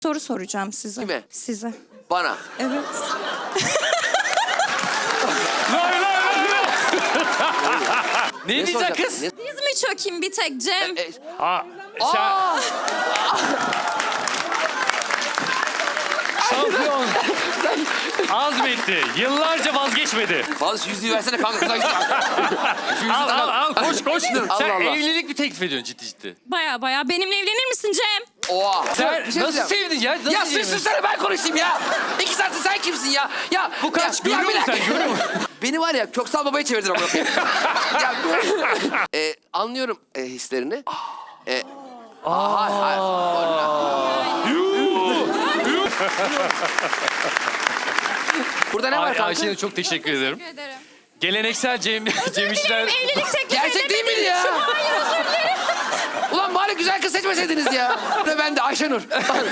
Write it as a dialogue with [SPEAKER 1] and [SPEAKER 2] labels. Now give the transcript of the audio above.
[SPEAKER 1] Soru soracağım size.
[SPEAKER 2] Kime?
[SPEAKER 1] Size.
[SPEAKER 2] Bana.
[SPEAKER 1] Evet.
[SPEAKER 3] Ne diyecek
[SPEAKER 2] soracak?
[SPEAKER 3] kız?
[SPEAKER 2] Ne-
[SPEAKER 1] Diz mi çökeyim bir tek Cem?
[SPEAKER 3] Şampiyon. Azmetti. Yıllarca vazgeçmedi.
[SPEAKER 2] Fazla şu yüzüğü versene kanka. Kıza gitsin. Şu yüzüğü
[SPEAKER 3] Al koş koş.
[SPEAKER 2] Allah
[SPEAKER 3] Sen
[SPEAKER 2] Allah.
[SPEAKER 3] evlilik mi teklif ediyorsun ciddi?
[SPEAKER 1] Baya baya. Benimle evlenir misin Cem?
[SPEAKER 2] Oha.
[SPEAKER 3] Sen
[SPEAKER 2] Bir şey
[SPEAKER 3] nasıl
[SPEAKER 2] diyeceğim.
[SPEAKER 3] sevdin ya? Nasıl
[SPEAKER 2] Ya
[SPEAKER 3] sevdin?
[SPEAKER 2] sussana ben konuşayım ya. 2 saattir sen kimsin ya? Ya
[SPEAKER 3] Bu kaç?
[SPEAKER 2] ya,
[SPEAKER 3] Görüyor
[SPEAKER 2] bir
[SPEAKER 3] musun
[SPEAKER 2] dakika.
[SPEAKER 3] sen? Görüyor musun?
[SPEAKER 2] Beni var ya Köksal Baba'ya çevirdin ama. Ya, anlıyorum hislerini. Hayır. Burada ne var kanka?
[SPEAKER 3] Ayşe'ne çok teşekkür ederim.
[SPEAKER 1] Teşekkür ederim.
[SPEAKER 3] Geleneksel Cem İşler...
[SPEAKER 1] Evlilik teklif
[SPEAKER 2] Gerçek değil miydi ya?
[SPEAKER 1] Hayır özür dilerim.
[SPEAKER 2] Ulan bari güzel kız seçmeseydiniz ya. Ve ben de Ayşenur.